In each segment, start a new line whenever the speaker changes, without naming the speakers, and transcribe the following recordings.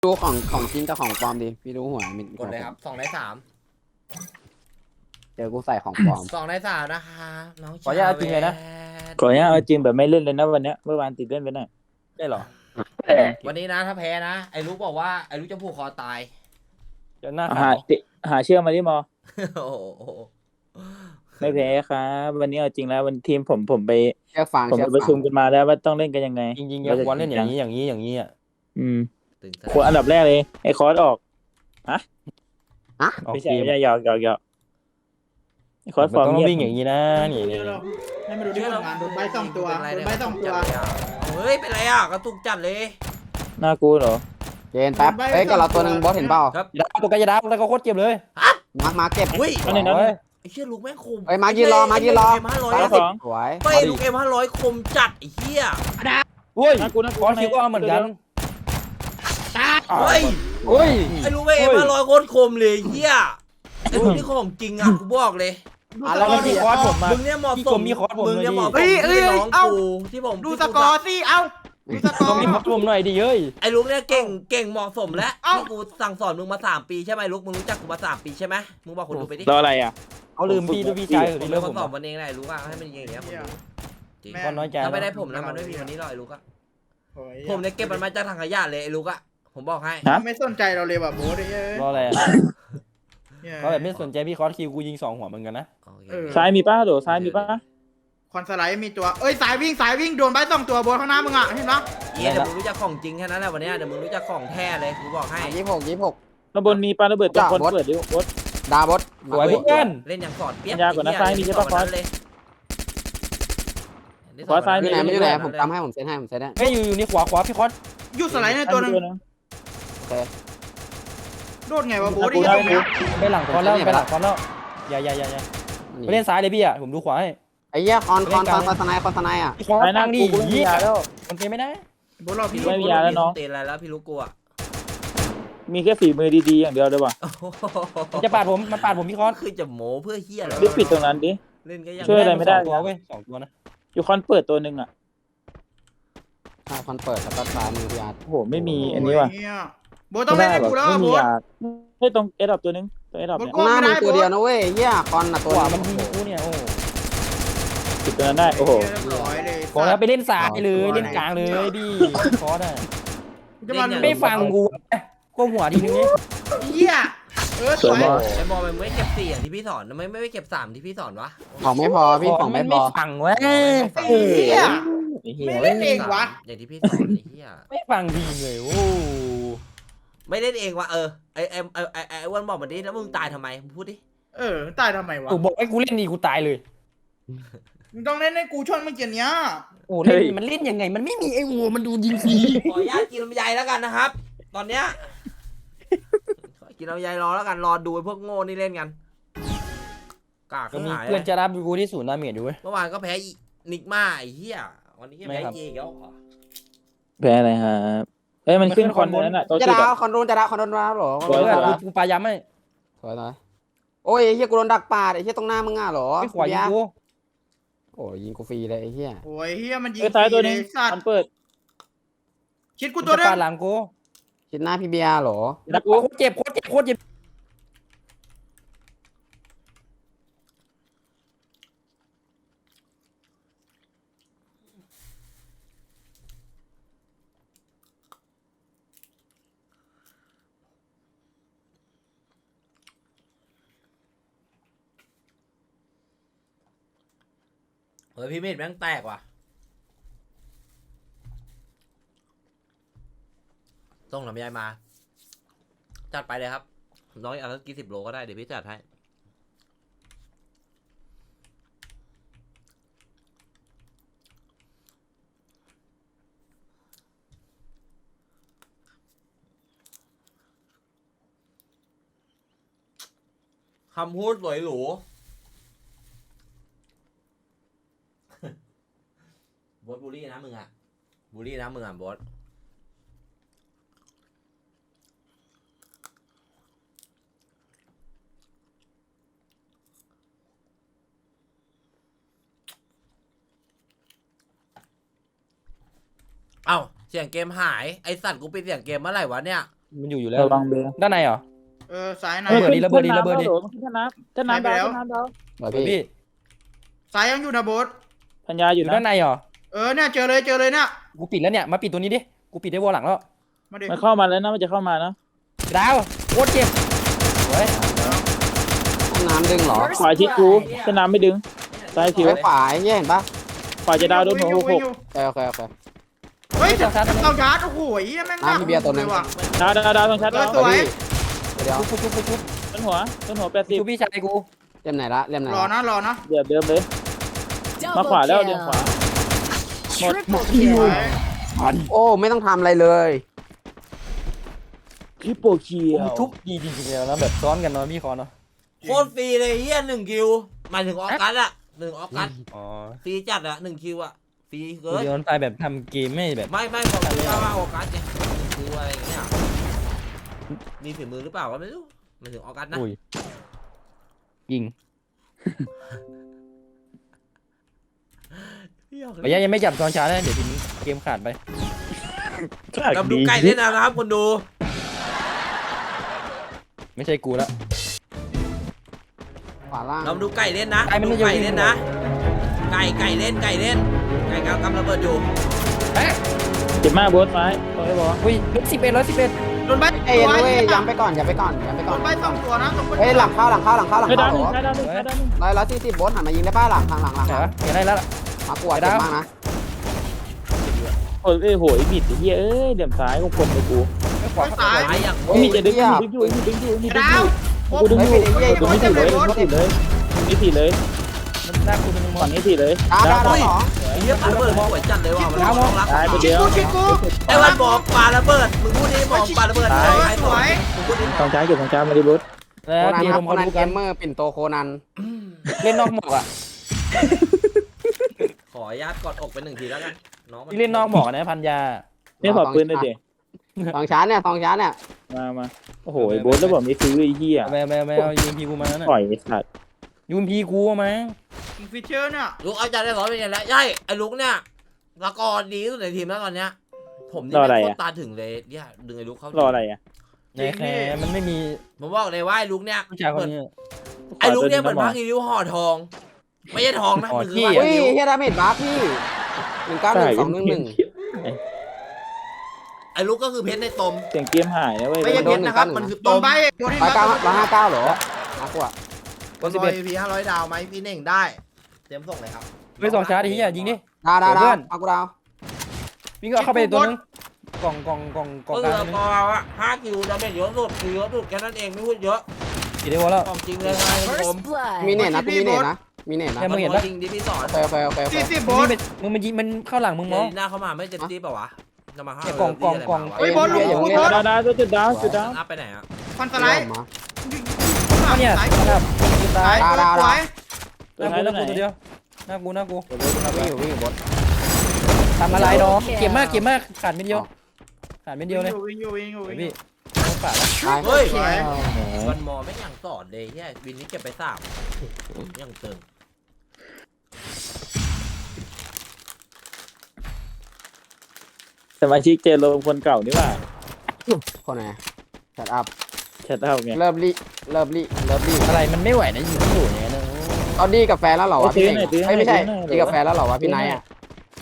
ดูของจริงกับของปลอมดิพี่ดูหัวมิน
กดเลยครับ2 ใน 3
เจอกูใส่ของปลอม
2 ใน 3นะคะน้อง
ขออนุญาตจริงเลยนะ
ก่อนเนี้ยเอาจริงแบบไม่เล่นเลยนะวันเนี้ยเมื่อวานติดเล่นไปหน่อย
ได้เหรอ
วันนี้นะถ้าแพ้นะไอ้ลูกบอกว่าไอ้ลูกจะผูกคอตาย
เดี๋ยวหน้า
หา
ขาว
หาเชื่อมาดิมอ
โอ้โห
ไม่แพ้ครับวันนี้เอาจริงแล้ววันทีมผมไป
เชือกฟาง
ผม
เชื
ไป
อก
ประ
ฟา
ชุ
ง
มกันมาแล้วว่าต้องเล่นกันยังไง
จริงๆอย่าควรเล่นอย่างนี้อ่ะ
อืม
ตึง
คนอันดับแรกเลยไอ้คอร์สออก
อะ
ไม่ใช่ไม่ใช่หยอกไอ้คอร์สฟ
มั
อน ร์ม
ต้อง
เงียบ
วิ่งอย่างนี้นะนี่
ให้มาดูที่ผลงานโดนใบสองตัวโดนใบสองตัว
เฮ้ยเป็นไรอ่ะกระตุกจัดเลย
น่ากูเหรอ
เจนแป๊บเฮ้ยกับเราตัวหนึ่งบอสเห็นเปล่า
ครับ
อย่าตัวกายดาแล้วก็โคตรเจ็บเลย
มาเก็บ
อุ้ย
อันนี้นะ
ไอ้เชี่ยลูกแม่งคม
เฮ้ยมายืนรอมายืนรอ
เอ็มห้าร้อย
ไป
สิบ
สอง
สวย
ไปลูกM500คมจัดไอ้เหี้ย
อุ้ย
น่ากู
คอร์คิวก็เอาเหมือนกัน
เฮ้ย
อุ้ย
ไอ้ลูกแม่งM500โคตรคมเลยเหี้ยไอ้ลูกนี่ของจริงอ่ะกูบอกเลย
แล้วมันมีคอร์สผมมา
มึงเนี่ยเหมาะ
พี่
ส
กร
ม
มมีคอร์สผม
มึงเนี่ยเหมาะสม
เฮ้ย
ที่เป็นน้อง
เอ้า
กูที่ผม
ดูสกอร์สิเอ้าดูสกอ
ต้อง
ร์
มีคอร์สผมหน่อยดิเย้ย
ไอ้ลูกเนี่ยเก่งเหมาะสมแล้ว
เอ้า
ที่กูสั่งสอนมึงมา3 ปีใช่ไหมลูกมึงรู้จักกูมา3 ปีใช่ไหมมึงบอกคนดูไปดิ
รออะไรอ่ะ
เขาลืมพี่ด้วยพี่ชาย
ผม
ที่
เป็
เลิ
น
ก
ค
ผ
น
ม
สอนมันเองแหละไอ้ลูกอะให้มันอย่างเงี้ยคนดูจริง
ก็น้อยใจ
ถ้าไม่ได้ผมนะมันไม่มีวันนี้หรอกไอ้ลูกอะ
โอ้ย
ผมเนี่ยเก็บมันมาจากถังขยะเลยไอ้ลูกอะผมบอกให้
ฮะ
ไม่สนใจเราเลยว่ะโบ๊ทเอ้ย
รออะไรอ่ะ
เนี่ย
เขาแบบไม่สนใจพี่คอร์สคิวกูยิง2 หัวเหมือนกันนะ
โอเค
ซ้ายมีป้าโดซ้ายมีป้า
คอนสไลด์มีตัวเอ้ยสายวิ่งโดนใบสองตัวโบ๊ทข้างหน้ามึงอ่ะเห็นปะ
เดี๋ยวมึงรู้จักของจริงแค่นั้นแหละวันเนี้ยเดี๋ยวมึงรู้จักของแท้เลยกูบอกให้
26
ข้างบนมีปลาระเบิดตรงคน
จ้ะบอส
เปิดดิบด
ดาบอส
สวยเพื่อน
เล่นอย่างสอดเปี๊ยก
ยากกว่านะซ้ายมีใช่ปะ
ไอ้เหี้ย
ขวาซ้ายมี
ไม่อยู่ไหนผมจำให้ผมเซตให้ผมเซตให้
ไม่อยู่นี่ขวาพี่คอร์ส
ยูสไลด์ในตัวนึง
โอเค
โดนไงวะโบ๊ท
กู
ไอ้
ได้
ตรงเนี้ย
ไปหลังคอร์สแล้วไปหลังคอร์สแล้วอย่าไปเล่นซ้ายเลยพี่อ่ะผมดูขวาให้
ไอ้เหี้ยคอนสไนอ่ะ
พี่คอร์ส
ซ้ายหน้า
ตั้งดิ
กูมี
ยี่
ยาแล้ว
มันเป็นไม่ได้
โบ๊ทรอพี่
ไม่มียาแล้วน้อง
เตะอะไรแล้วพี่ลูกกูอะ
มีแค่ฝีมือดีๆอย่างเดียวเลยว่ะ
มันจะปาดผมมันปาดผมพี่คอร์ส
คือจะโม้เพื่อเฮียอะไร
รีบปิดตรงนั้นดิ
เล่นก็ยัง
ช่วยอะไรไม่ได้
2 ตัวเว้ย2 ตัวนะ
อยู่คอนเปิดตัวหนึ่งอ่ะ
คอนเปิดสตาร์ทซ้ายมือพี่อาร์ต
โอ้โหไม่มีอันนี้ว่ะ
โยโบ๊ทต้องเล่นให้กูแล้ว
ไม่
ว่ะ
มี
โบ๊ท
ยาให้ตรงเอดับตัวหนึงตัวเอดับเนี่ย
โอ้
หน้า
ไม่
มึ
ได้
งตัวเดียวนะเว้ยเหี้ยคอนตัว
ขวามันยิงกูเนี่ยโอ้
ปิดตัวนั้นได้โอ้โห
เรียบร้อยเลย
บอกแล้วไปเล่นซ้ายเลยเล่นกลางเลยพี่คอร์สอ่ะ
จะมา
ไม่ฟังกูก้มหัวทีนึงนี่
เหี้ยสวย
ไอ้บอลมันไม่เก็บ4อย่างที่พี่สอนทำไมไม่เก็บ3ที่พี่สอนวะ
ของไม่พอพี่ของไม่พ
ไม่
อ
ฟังเว้ย
ไอ้เหี้ย
ไอ้เหี้ย
ไม่เล่นเองวะ
อย่างที่พี่สอนไอ้เหี้ย
ไม่ฟังดีเลยโอ้
ไม่เล่นเองวะไอ้อ้วนบอกมาดิแล้วมึงตายทำไมมึงพูดดิ
ตายทำไมวะ
กูบอกให้กูเล่นดีกูตายเลย
มึงต้องเล่นให้กูชนเมื่อกี้เนี้ย
โอ้เล่นมันเล่นยังไงมันไม่มีไอ้วัวมันดูยิงฟรี
ขออนุญาตกินลำไยแล้วกันนะครับ ตอนเนี้ยขอกินลำไยรอแล้วกันรอดูไอ้พวกโง่นี่เล่นกันกาก
ก็
ขึ้น
มี
หาย
เพื่อนจะรับกูที่ศูนย์ดาเมจอยู่เว้ย
เมื่อวานก็แพ้นิกมาไอ้เหี้ยวันนี้ก็
ไม่
แพ้
ครับ
เจอีกแล้วเหรอ
แพ้อะไรครับเอ้ยมันขึ้นคอนบนนั้นอ่ะตัว
จะ
จุด
ดาว
อ่ะ
คอนโดนจะดาวคอนโดนดาวหรอ
สวย
เพื่อนกูปลาย้ำให้
สวยหน่อยโอ้ยไอ้เหี้ยกูโดนดักปาดไอ้เหี้ยตรงหน้ามึงอ่ะหรอ
ไม่ขวายิงกู
โอ้ยยิงกูฟรีเลยไอ้เหี้ย
โอ้ยเฮียมันยิง
เอ้ยซ้ายตัวหนึง
สัต
มัน
ว์
เปิด
คิดกูตัวเดีย
ปลาว หลังกู
ชิดหน้าพี่เบียร์หรอ
โคตรเจ็บโคตรเจ็บโคตรเจ็บ
เฮ้ยพี่เมธแม่งแตกว่ะต้องลำไยมา จัดไปเลยครับน้องอยากสักกี่10 โลก็ได้เดี๋ยวพี่จัดให้คำพูดสวยหรู บอสบูลลี่นะมึงอะบูลลี่นะมึงอะบอสเอ้าเสียงเกมหายไอสัตว์กูปิดเสียงเกมเมื่อไหร่วะเนี่ย
มันอยู่แล้ว
ระวังเบล
ด้านในเหรอ
ซ้ายใน
ระเบิดดิระเบิดดิระเบิดดิ
ท่าน้ำท่าน้ำดาวท่าน้ำดาว
เดี๋ยว
พี่
พี่
ซ้ายยังอยู่นะโบส
พัญญาอ
อยู่ ยู่
นะ
ด้านในเหรอ
เนี่ยเจอเลยเนี่ย
กูปิดแล้วเนี่ยมาปิดตัวนี้ดิกูปิดได้วอลหลังแล้ว
มาดิ
มันเข้ามาแล้วนะมันจะเข้ามานะ
ดาวโคตรเจ็บเฮ้ย
ห้องน้ำดึงเหรอ
ขวาชิดกูท่าน้ำไม่ดึงซ้ายผิว
ไอ้ขวาไอ้เหี้ยเห็นปะ
ขวาจะดาวโดนหัวหก
โอเค
เฮ้ยต้องชาร์จโอ้โหแม่งน่าว่ะ
ดาวตรงชัดดาว
สวย
เดี๋ยว
ชุบชุบชุบ
ต้นหัว80
ชุบพี่ชายกู
เล่มไหนละเล่มไหน
รอนะ
เดี๋ยวเดิมเลยมาขวาแล้วเดินขวา
โอ้ไม่ต้องทำอะไรเลย
คลิปโปเคียว
ชุบดีจริงๆแล้วนะแบบซ้อนกันเนาะพี่คอเนาะ
โคตรฟรีเลยเฮีย1 คิวหมายถึงออกัสอะ1 ออกัส
อ๋อ
ฟรีจัดอะ1 คิวอะฟรีเกิน
เดี๋ยวมันไปแบบทำเกมไม่แบบ
ไม่ของกูว่าออกัสไงคืออะไรอย่างเงี้ยมีฝีมือหรือเปล่าก็ไม่รู้หมายถึงออกัสนะ
อุ้ยยิงระยะยังไม่จับตอนช้านะเดี๋ยวทีนี้เกมขาดไป
กำดูไก่เล่นนะครับคนดู
ไม่ใช่กูละ
ขวาล่าง
กำดูไก่เล่นนะ
ไก่มันไม่
ดูไก่
อยู่
เล่นนะ ไก่เล่นไก่กำระเบิดอยู่
เจ็บมากโบสซ้ายตรงนี้บอก
อุ้ย11
โดนใบ
เอ้ยเว้ยย้ำไปก่อนย้ำไปก่อน
โดนใบ2 ตัวนะตรง
เฮ้ยหลังเข้า
ให้ดาวหนึ่งให้ดาวหนึ่งให้ดาวหนึ่ง
140โบสหันมายิงได้ป่ะหลัง
เหรอเห็นได้แล้วล่ะ
มากวดเจ็บมากนะ
โอ้ยโหยบิดเฮียเดี๋ยวซ้ายของคนเลยกู
ไม่ขวา
ซ้าย
ตายอย่าง
มีจะดึงอยู่มีดึงอยู่
ดาว
กูดึงอยู่กูไม่ผิดเลยไม่ผิดเลยไม่ผิดเลย
มันน่ากูเป็นมอ
ฝั่
ง
งนี้ผิดเลย
ดาว
เฮียปาระเบิดสวยจัดเลยว่ะมันต้องรัก
ตายไปเดียว
ไอ้วันบอกปาระเบิดมึงพูดดิบอกปาระเบิดไอ้
สวย
มึงพูดดิ
ทองช้างเก็บทองช้างมาดิบุ๊ด
แล้ว
โคนัน
ที
ครั
ผ
บ
ม
โค
เขา
นัน
ดู
เก
กัน
มเมอร์ปิ่นโตโคนัน
เล่นนอกหมอกอ่ะ
ขออนุญาตกอดอกไป1 ทีแล้วกันน้องมัน
ที่เล่นนอกหมอกนะพันยา
นี่ขอปืนหน่อยดิ
สองชั้นเนี่ย
มาโอ้โหบุ๊ดแล้วบอกไม่ซื้อไอ้เหี้ย
ไม่เอายูมพีกูมาน่ะ
ปล่อยไอ้สัตว์
ยูมพีกูมา
ฟิชเชอร์เนี่ย
ลุกเอาใจได้ร้อยเป็นไงแล้วใช่ไอ้ลุกเนี่ยสกอร์ดีที่สุดในทีมแล้วตอนเนี้ยผมนี่ไม่โคตรตาถึงเลยเนี่ยดึงไอ้ลุกเข้าร
ออะไรอ่ะ
ในแคร์มันไม่มี
ผมบอกเลยว่าไอ้ลุกเนี่ย
ผู้ชายคนนี้
ไอ้ลุกเนี่ยเหมือนพักอีริ้วห่อทอง ไม่ใช่ทองนะ
ห่อ
มันคือ
ที่
ว่า
อุ้ย
อีริ้ว
เฮียดาเมจบัฟพี่191211
ไอ้ลุกก็คือเพชรในตม
เสียงเกมหายนะเว้ย
ไม่ใช่เพชรนะครับมันคือ
โด
ต
น
ม
ใบโดนให้
159เหรอมากกว่า
บนบอยพี500 ดาวไหมพี่เน่งได้เตรียมส่งเลยครับ
ไปสองชาร์จดิยิงดิ
ดาวเอากูดาว
วิ่งก็เข้าไปตัวนึงกล่อง
ก็
ก
คื
ลา
อง กอว่า5 คิวดาเมจเยอะสุดคือเยอะสุดแค่นั้นเองไม่พูดเยอะ
กี่ได้วอลแล้ว
ของจริงเลยนะผม
มีเน็ตนะมีเน็ตนะ
มันจริงดิพี่สอน
โอเค
40โบ
มึ
ส
งมันยิงมันเข้าหลังมึง
เจ
มั้ง
หน้าเข้ามาไม่เจ็บจี๊บเปล่าวะจะมาห้า
เฮ้ยโบสลุกโบส
ดาวจุดดาว
อัพไปไหนอ่ะ
ฟันสไลด์
เนี่ย
สาย
ครับ
สายสวย
หน้ากูตัวเดียวหน้ากู
วิ่งอยู่บน
ทำอะไรน้องเก็บมากขาดไม่เดียวเลย
วิ่งอยู่
พี่ต้องขาดแล้ว
เฮ้ย
สวย
วันมอไม่ยังสอนเลยแค่วินนี้เก็บไป3ยังเติม
สมาชิกเจโรคนเก่านี่ว่า
คนไหนแชทอัพ
แชทเอาไง
เลิฟลี่
อะไรมันไม่ไหวนะยิงอยู่อย่างเงี้ยนะ
เอาดีกับแฟนแล้วเหรอวะพี่เน่งไม่ใช่ดีกับแฟนแล้วเหรอวะพี่ไนท์อ่ะ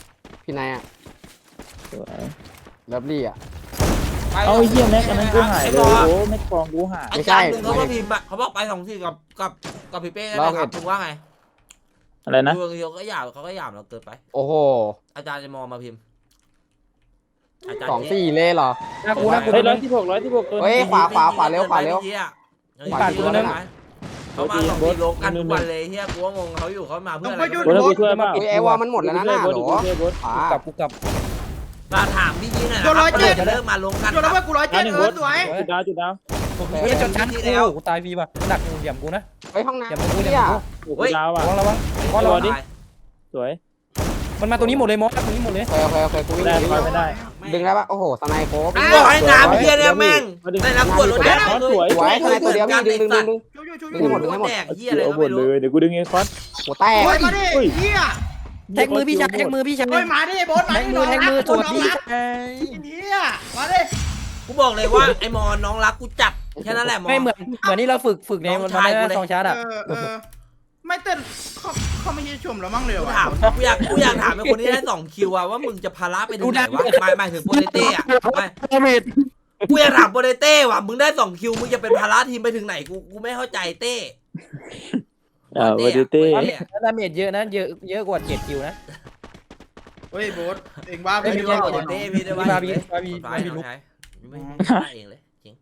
เลิฟลี่อ่ะ
เอาเยี่ยแม็กอันนั้นกูหายเลยโอ้แม็กฟองกูหาย
อาจารย์หนึ่งเขาก็พิมพ์เขาบอกไป2 ที่กับพี่เป้นะครับคุณว่าไง
อะไรนะ
ดูเขาก็หยาบเราเกินไป
โอ้โห
อาจารย์จะมองมาพิมพ์
2-4เลยเหรอ
หน้ากู
เฮ้ย116ตัว
เฮ้ยขวาเร็ว
เขามา2 4 โลกันทุกวันเลยเฮียกูงงเขาอยู่เขามาเพื่ออะไร
โบสกูช่วยเปล่า
อุ้ยไอวอลมันหมดแล้วนะหน้าหรอขวา
กูกลับ
มาถามพี่ยี่หน่อยนะครับจะเลิกมาลงกัน
โดนแล้วว่ากู107สวย
จุดดาว
เฮ้ยจนชั้นกูตายฟรีป่ะดักเหลี่ยมกูนะ
ไปห้องน้ำ
เหลี่ยมกู
เนี่ย
กูดาวอ่ะ
ระวัง
สวย
มันมาตัวนี้หมดเลยมอสตัวนี้หมดเลย
โอเคกูวิ่ง
ได้ไม่ได้
ดึงได้ปะโอ้โหสไนโคบ
บอกให้น้ำเพี้ยเนี่ยแม่งได้รับขวดรถแดง
สวยสไนตัวเดียวพี่ดึง
รถแดงเฮียอะไร
เอา
ก็
หม
ไม่
ด
รู้
เลยเดี๋ยวกูดึงเองคอส
หัวแตก
โอ้ยมาดิเฮีย
แท็กมือพี่ชาย
โอ้ยมาดิโบสมา
แท็ก
ดิ
มือตัวพี่
เฮียมาดิ
กูบอกเลยว่าไอ้มอนน้องรักกูจัดแค่นั้นแหละมอน
ไม่เหมือนที่เราฝึกใน
น้
มั
อน งชายกูเลย
สองชาร์ดอ่ะ
ไม่เต้นเขาไม่ใช่ชมแล้วมั้งเลย
กู
วะ
ถามกูอยากถามไอ้คนที่ได้2 คิวอะว่ามึงจะภาระไปถึงไหนวะหมายถึงโปรเตเต้อะไม่กูอยากถามโปรเตเต้ว่ะมึงได้2 คิวมึงจะเป็นภาระทีมไปถึงไหนกูไม่เข้าใจเต้
วอดิเต้
แล้วดาเมจเยอะนะเยอะกว่า7 คิวนะ
เฮ้ยโบ๊ทเองว่า
ไม่
ไม่
ใช่
ได้
โปรเตเต้พี่ได้ว่า
พี่
ลุกไม่ได้เองเลยจริง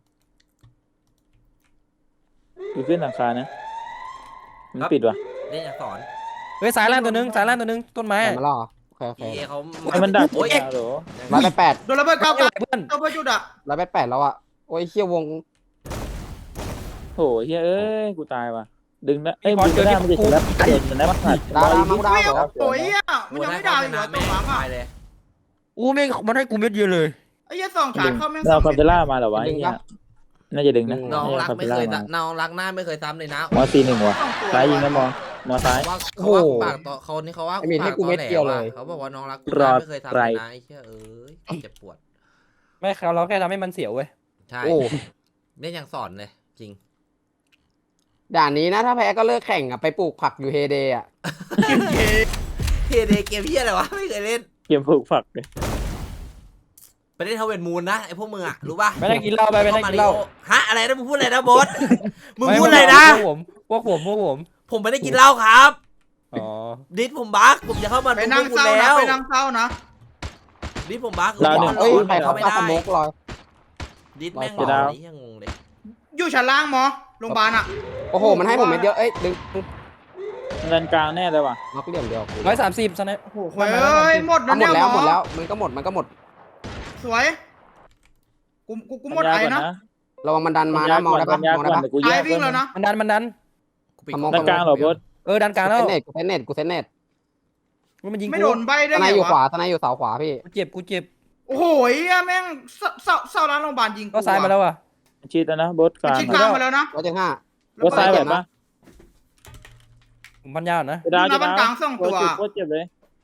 กูขึ้นหลังคานะมันปิดว่ะ
เล่นอยากสอน
เฮ้ยสายล่างตัวนึงต้นไม้
แต่มาล่อโอเค
พี่เขา
ไอ้มันดัก
โอ้ย
เหรอ
108
โดนระเบิดเก้า
เพื่
เก้า
อน
เก้าเพื่อจุดอะ
108แล้วอ่ะโอ้ยเฮียวง
โหเฮ้ยเอ้ยกูตายว่ะดึงนะเอ้ยดึงไม่ได้มันจะเสร็จแล้วเด็ดนะมันขาด
ดาวมากูดาวเหรอ
โอ้ยมันยังไม่ดาวอีกเหรอตัวหวังอ่ะ
เลย
อู้ไม่มันให้กูเม็ดเดียวเลย
ไอ้ยี่สองฉากเข้าแม่ง
เราคาเบล่ามาเหรอวะน่าจะดึงนะ
น้องรัก
คาเบ
ไม่
ล่า
เคย
มา
น้องรักหน้าไม่เคยซ้ำเลยนะ
มอ41ว่ะซ้ายยิงนะมอซ้าย
เขาว่าปากต่อเขานี่เขาว่าเขาบอกว่าน้องรักกูไม่เคยทำเลยนะไอ้เชี่ยเจ็บปวด
ไม่เขาเราแค่ทำให้มันเสียวเว้ย
ใช่
โอ้
เล่นอย่างสอนเลยจริง
ด่านนี้นะถ้าแพ้ก็เลิกแข่งอ่ะไปปลูกผักอยู่เฮเดย์อ่ะ
เฮเดเกมเฮียอะไรวะไม่เคยเล่น
เกมผูกฝักเลย
ไปเล่นเทเวนมูนนะไอพวกมึงอะรู้ป่ะ
ไม่ได้กินเหล้าไปไม่ได้กินเหล้า
ฮะอะไรนะมึงพูดอะไรนะบอสมึงพูดอะไรนะ
พวกผม
ผมไม่ได้กินเหล้าครับ
อ๋อ
ดิสผมบักผมจะเข้ามา
ไปนั่งเศร้านะไปนั่งเศร้านะ
ดิสผมบัก
เอ้ยใครเขาปาสโมกลอย
ดิสแม่งหลอกนี่ยังงงเลย
อยู่ชั้นล่างหมอโรงพยาบาลอ่ะ
โอ้โหมันให้ผมเม็ดเดียวเอ้ยดึง
เงินกลางแน่เลยว่ะ
ล็อกเหลี่ยมเดียว
130สไนโอ้โห
เฮ้ยหมด
หม
แล้ว
ด
เนี่ย
แล้ว
ห
ห
ม
ม
อ
ดแล้วมันก็หมด
สวยกูหมดไอ้นะ
ระวังมันดันมานะมองได้ปะมองได้ปะ
กูแย
ไอ้
ก
วิ่งแล้วนะ
มันดัน
ด้านกลางเหรอบอส
ดันกลาง
กู
แล้ว
เซนเน็ต
มันยิง
ไม่
กู
โดนใบได้
ท
ไง
นายอยู่ข
วะ
วาทนายอยู่เสาขวาพี่
กูเจ็บ
โอ้โหแม่งเศร้าร้านโรงพยาบาลยิง
ก็ซ้ายมาแล้วอ่ะ
ชีดแล้วนะบอสกลาง
ชิดกลางมาแล้วนะ
175
บอสซ้ายแบบปะ
ผมพันยาวนะ
ดาว
หน้าบ้านกลางส่งตัว
โคตรเจ็บเลย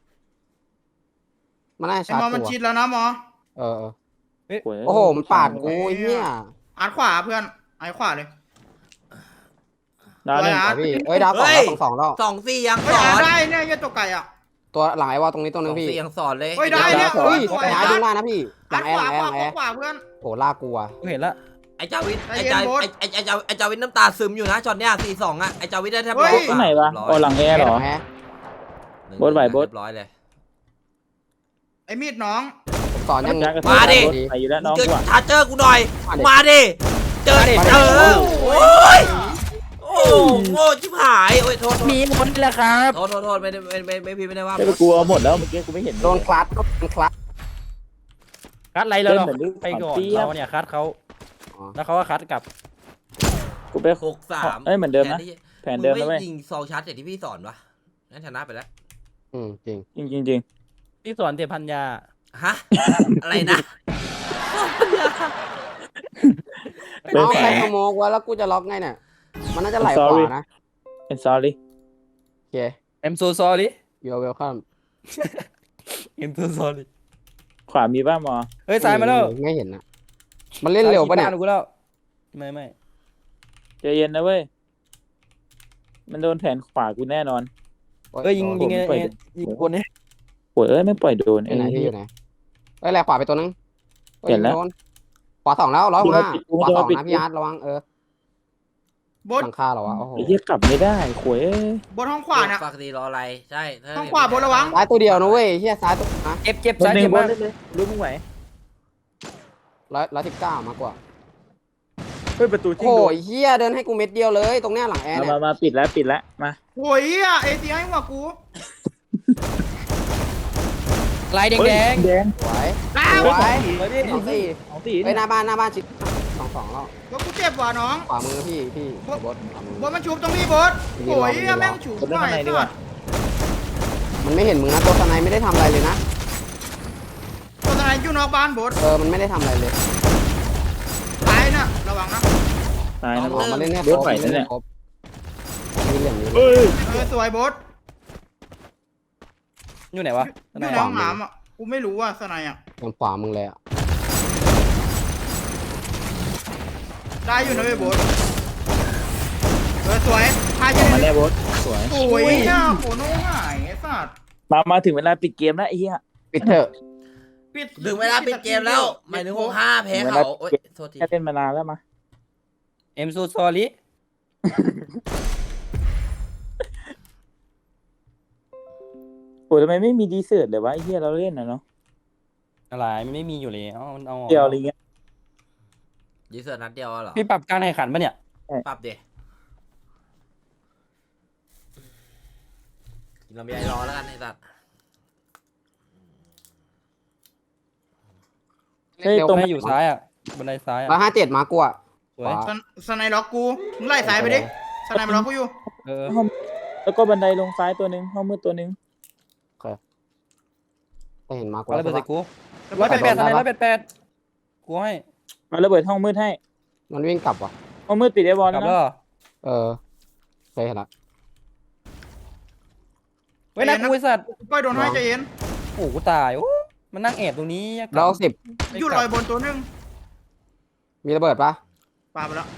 มันน่า
ไอ้
ชาร์
หมอ
จ
มัน
ตัว
ชิดแล้วนะหมอ
โอ้โหมันปาดกูเฮีย
อาร์ตขวาเพื่อนไอ้ขวาเลย
ดาวหนึ่ง
พี่เอ้ยดาว2แล้ว
2-4ยัง
เฮ้ย
สอ
อาร์
น
ตได้เนี่ยยี่ตัวไก่อ่ะ
ตัวหลังไอ้วอลตรงนี้ตัวนึงพี่
2-4ยังสอนเลย
เฮ้ยได้เนี่ย
เฮ้ย
สวย
หาดึงได้นะพี่หลั
อาง ร์ต
แอ
ข
ร์
วา
หลังแอร์
ขวาเพื่อน
โหลากกูอ่ะ
กูเห็นละ
ไอ้จาวิท
ใจเย็นโบ๊ท
ไอ้จาวิทน้ำตาซึมอยู่นะช็อตเนี้ย4-2อะไอ้จาวิทได้แทบ
เฮ้ย
ที่ไหนวะโอ้หลังแอร์เหรอ บดไหวบด
ร้อยเลย
ไอ้มีดน้อง
ผมสอนยัง
มาดิ
ไปอยู่แล้วน้อง
เจอ
กูอ่ะ
ชาร์เจอร์กูหน่อยมาดิเจอโอ้ยโอ้โง่ชิบหายโอ้ยโทษ
มีคนแหละครับ
โทษไม่ได้ไม่พี่ไม่ได้ว่า
ไอ้กูเอาหมดแล้วเมื่อกี้กูไม่เห็น
โดนคลัตก็เป็นคลัต
คัดไรเราไปก่อนเราเนี่ยคัดเขาแล้วเขาก็คัดกลับ
กูไป
6-3
เอ้ยเหมือนเดิมนะแผนเดิมนะเว้ย
ยิงซองชาร์จอย่างที่พี่สอนวะงั้นชนะไปแล้ว
จริง
จริง
ที่สอนเตะพันยา
ฮะอะไรนะ
เอาใครขโมยไว้แล้วกูจะล็อกไงเนี่ยมันน่าจะไหลขวานะ
เป็น sorry
โอเค
I'm so sorry
you're welcome
I'm so sorry
ขวามีบ้างมอ
เฮ้ยซ้ายมาแล้ว
ไม่เห็นนะมันเล่นเร็วปะเนี่ย
กูแล้วไม่
ใจเย็นนะเว้ยมันโดนแผนขวากูแน่นอน
เอ้ยยิงคนนี้
โวยไม่ปล่อยโดน
อยู่ไหนพี่อยู่ไหนเอ้ยแหลกขวาไปตัวนึง
เห็นแล้ว
ขวา2แล้ว105ขวา2นะพี่อาร์ตระวัง
บด
หลังคาเหรอวะโอ้โห
ไอ้เหี้ยกลับไม่ได้โวย
บนห้องขวาเนี่ย
ฝากดีรออะไรใช่
ห้องขวาบนระวัง
ซ้ายตัวเดียวนะเว้ยเฮียซ้ายตัวนะ
เจ็บ
ซ้า
ซ้าย ย
เจ็
เจ็
บบ มาม
าก
เลยรู้มึงไหว
119มากกว่า
เฮ้ยประตูจริง
โอ้ยเฮียเดินให้กูเม็ดเดียวเลยตรงเนี้ยหลังแอร์เนี่ย
มาปิดแล้วมา
โอ้ยเอทีให้หัวกู
ลายแดง
แดง
สวย
อ้าว
สวย
เลยพี่
24เฮ้ยหน้าบ้านชิด2แล้ว
ว่ากูเจ็บว่ะน้อง
ขวามือพี่บดขวามือบ
ดมันชุบตรงนี้บดโอ้ยแม่งฉุบ
คนด้านในดีกว่า
มันไม่เห็นมึงนะตัวสไนไม่ได้ทำอะไรเลยนะ
ตัวไหนอยู่นอกบ้านบด
มันไม่ได้ทำอะไรเลย
ตายน่ะระวังนะ
ตายนะ
ออกมาเล่นแน่
รถไหวนะเนี่ย
ครบมีเหลี่ยมนี้
เฮ้ย
สวยบด
อยู่ไหนวะ
อยู่ในห้องน้ำอ่ะกูไม่รู้ว่าสไนอ่ะ
ทางขวามึงเลยอ่ะ
ได้อยู่นะเว้ยโบสสวยพา
อ
เย
อกมา
อะ
แล้วโบสสวย
โอ้ยอ่ะโหโน้หายไอ้สัตว์
มาถึงเวลาปิดเกมแล้วไอ้เหี้ย
ปิดเถอะ
ถึงเวลาปิดเกมแล้วหมายถึง65แพ้เขาโอ๊ยโทษที
แค่เล่นมานานแล้วมา
I'm so sorry
โอ้ทำไมไม่มีดีเซิร์ตเลยวะไอ้เหี้ยเราเล่นนะเนาะ
อะไรมันไม่มีอยู่แล้วมันเอาออก
เดียวอะไรเงี้ย
ดีเซอร์นัดเดียวเหรอ
พี่ปรับการแข่งขันปะเนี่ย
ปรับเดกินลำไยรอแล้วกันไอ้สัตว์
เฮ้ย
เร็ว
ตรง
ให้อยู่ซ้ายอ่ะบันไดซ้ายอ่ะ
157มากูอ่ะ
สวย
สไนล็อกกูมึงไล่สายไปดิสไนมันล็อกกูอยู่
เออ
แล้วก็บันไดลงซ้ายตัวหนึ่งห้องมืดตัวหนึ่ง
แต่เห็นมากู
เอาระเบิดใส่กู
แล้ว
188อะไร188กูให้
มาระเบิดห้องมืดให้
มันวิ่งกลับว่ะ
ห้องมืดปิดไอ้บอล
กลั
แล้
บ
ว
แล้ว
นะ
เหรอ
เออเคยเห็นละ
เว้ยนะกูไอ้สัตว์
ก้อยโดนให้ใจเย็น
โอ้กูตายโอ้มันนั่งแอบตรงนี้
เรา10
อยู่ลอยบนตัวนึง
มีระเบิดปะ
ปาไปแล้ว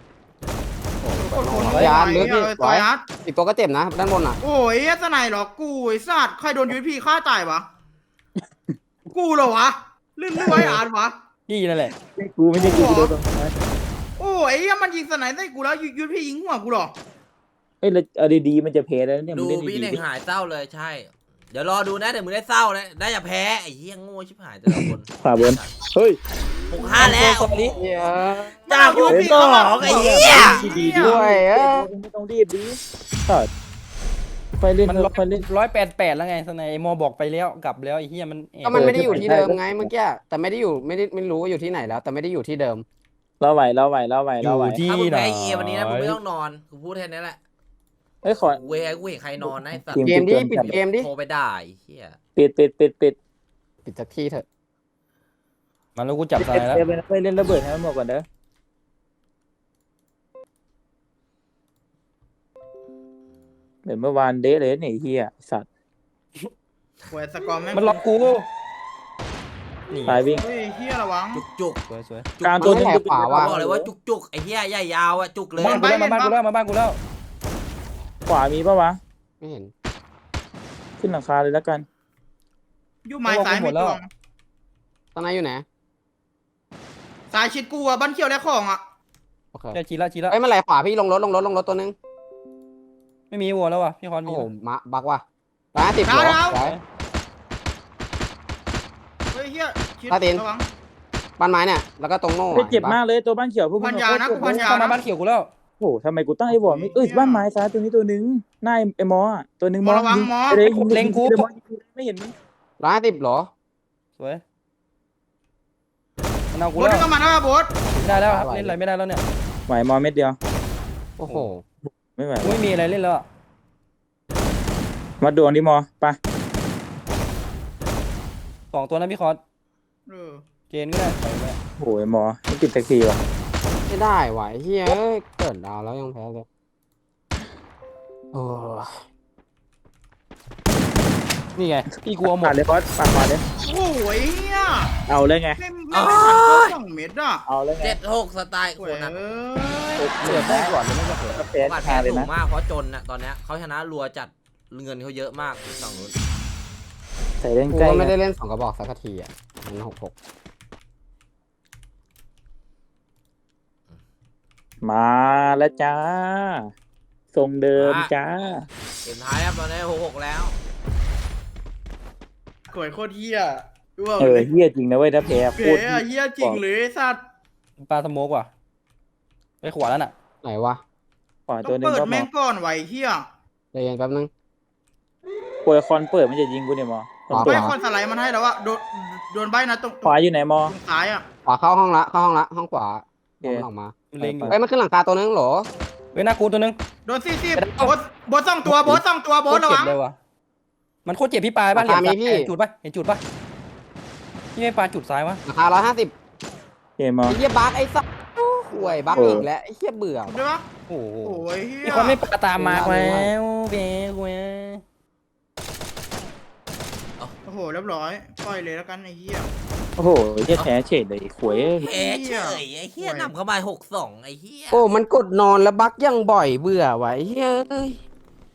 ยาร์ดลึกพี่
ต่อยอาร์ต
อีกตัวก็เจ็บนะด้านบนอ่ะ
โอ้ยสไนล็อกกูไอ้สัตว์ใครโดนยูพีฆ่าตายวะกูเหรอวะลื่นไว้อาร์ตวะ
พี่นั่นแหละ
กูไม่ได้กูโดนตรงนั้น
โอ้ยมันยิงสไนใส่กูแล้วยูพียิงหัวกูเหรอ
เฮ้ยเอาดีๆมันจะเพลแล้วเนี่ย
ดู
มึงเล่น
พี่
ดี
เน่ง
ๆ
หายเศร้าเลยใช่ เดี๋ยวรอดูนะเดี๋ยวมึงได้เศร้าแล้วได้จะแพ้ไอ้เหี้ยโง่ชิบหายแต่ละคน
ขวาบนเฮ้ย
65แล้ว
สวัสดี
จากยูพีเขาบอกไอ้เหี้ย
ดีๆ
ด้วย
ไม่ต้องรีบดีต่อค่อยเล่น
มัน
ค่อยเล่น
188แล้วไงสไนไอ้มอบอกไปแล้วกลับแล้วไอ้เหี้ยมันแอบ
ก็มันไม่ได้อยู่ที่เดิมไงเมื่อกี้แต่ไม่ได้อยู่ไม่รู้ว่าอยู่ที่ไหนแล้ว แต่ไม่ได้อยู่ที่เดิม
เราไหว
อยู่ที่
ถ้ามึง
ไหน
แพ้เอวันนี้นะมึงไม่ต้องนอนกูพูดแค่นี้แหละ
เฮ้ยขอ
กูเห็นใครนอนนะไอ้สัตว์
เกมดิปิดเกมดิ
โทรไปด่าไอ้เหี้ย
ปิด
ปิดสักที่เถอะ
มันแล้วกูจับสไนแล้ว
ไปเล่นระเบิดให้มันหมดก่อนเด้อเดี๋ยวเมื่อวานเดทเลยเนี่ยเฮียสัตว์
หวยสกอร์แม่ง
มันล็อกกูนี่
ตายวิ่ง
เฮ้ยเฮียระวัง
จุก
สวยสวย
กลางตัวนึง
ขวาว่ะ
บอกเลยว่าจุกไอ้เหี้ยใหญ่ยาวอะจุกเลย
บ้านกูแล้วมาบ้านกูแล้วมาบ้านกูแล้ว
ขวามีปะวะ
ไม่เห็น
ขึ้นหลังคาเลยแล้วกัน
อยู่ไม้ซ้ายไม่ตรง
ตอนไหนอยู่ไหน
ซ้ายชิดกูอ่ะบ้านเขียวและของอ่ะ
โอเค
เจอจีละจีละ
เอ้ยมันไหลขวาพี่ลงรถตัวนึง
ไม่มีวัวแล้วว่ะพี่คอนมี
โอ้โหมาบักว่ะ150เหรอไหว
เฮ้ยเฮียชิด
ตาตีน
ระวัง
บ้านไม้เนี่ยแล้วก็ตรงโน่
เจ็บมากเลยตัวบ้านเขียวพวก
พันยานะกูพันยา
เข้ามา
นะ
บ้านเขียวกูแล้ว
โอ้โหทำไมกูตั้งไอ้บอลไม่บ้านไม้ซ้ายตัวนี้ตัวนึงหน้าไอ้มออ่ะตัวนึง
มอระวังมอ
เลยไม่เห็นมั้ย
150เหรอ
สวยมันเอา
โบ
กู
ส
แล้ว
นี่ก็มาแล้วโบส
ไม่ได้แล้วครับเล่นอะไรไม่ได้แล้วเนี่ย
ไหวมอเม็ดเดียว
โอ้โห
ไม่ไหว
กูไม่มีอะไรเล่นแล้วอะ
มาดวงดิมอไป
2ตัวนะพี่คอน
เออ
เกณฑ์ก็ได้ไปไป
โอ้ยมอไม่ติดสักทีว่ะ
ไม่ได้ไหวเฮียเอ้ยเกิดดาวแล้วยังแพ้เลยโอ้
นี่ไงพี่กลัวหม
ปา
ด
ดเลยบอสปาดมาเลย
โอ้ยเฮีย
เอาเลยไง
ไม่ทันเข้า2 เม็ดอ่ะ
เอาเลยไง
76สไตล์
โอ้
ค
ย
นอะ
เกิดได้ก่อนเลยไม่จะเกิด
ก็แพ้
โอกาส
ชา
แพ้
เลย
สู
นะ
งมากเพราะจนนะตอนเนี้ยเขาชนะรัวจัดเงินเขาเยอะมากฝั่งนู้น
ใส่เล่น
กู
ใกล้
ก็ไม่ได้เล่น2 กระบอกสักทีอ่ะมัน66
มาแล้วจ้าทรงเดิมจ้า
เกมท้ายครับตอนนี้66แล้ว
กวยโคตรเฮียดูเอา
เฮี้ยจริงนะเว้ยถ้าแพ้โค
เก๋
ตร
อะเฮียจริงเลยสัตว์
ปลาสโมกว่ะไปขวาแล้วน่ะ
ไหนวะ
ขวา
ต้
ตั
อ
ว
ง
นึง
เปิด
ก็ม
แม่
อง
ก่อนไหวเฮีย
ใจเย็นแป๊บนึง
ปวยคอนเปิดมันจะยิงกูเนี่ยมอ
ขวา
ไม่คนสไลด์มันให้แล้วว่าโดนใบนะตรง
ขวาอยู่ไหนมอ
ซ้ายอ่ะ
ขวาเข้าห้องละห้องขวา
โอเค
มันออกมา
เล็งอยู่
เอ้ยมันขึ้นหลังคาตัวนึงเหรอ
เว้ยหน้ากูตัวนึง
โดน40โบส2 ตัวโบส2 ตัวโบสระ
เจ็
วั
บ
ง
เลยว่ะมันโคตรเจ็บพี่ปลายบ้านเหลี่ยมซ้ายเห็นจุดปะเห็นจุดปะพี่ไม่ปลาจุดซ้ายวะ
ราคา150
เกมมอ
ไอ้เหี้ยบักไอ้สัสห่วยบักอีกแล้วไอ้เหี้ยเบื่อ
ได้ปะ
โอ้โห
โอ้ยเฮีย
พี่คอนไม่ปลาตามมาแล้วเบ้กูเว้ย
โอ้โหเรียบร้อยปล่อยเลยแล้วกันไอ้เฮีย
โอ้โหเฮียแพ้เฉดเลยขวย
แพ้เฉยไอ้เหี้ยนำเข้ามา6-2ไอ้เหี้ย
โอ้มันกดนอนแล้วบักยังบ่อยเบื่อว่ะไอ้เหี้ยเอ้ย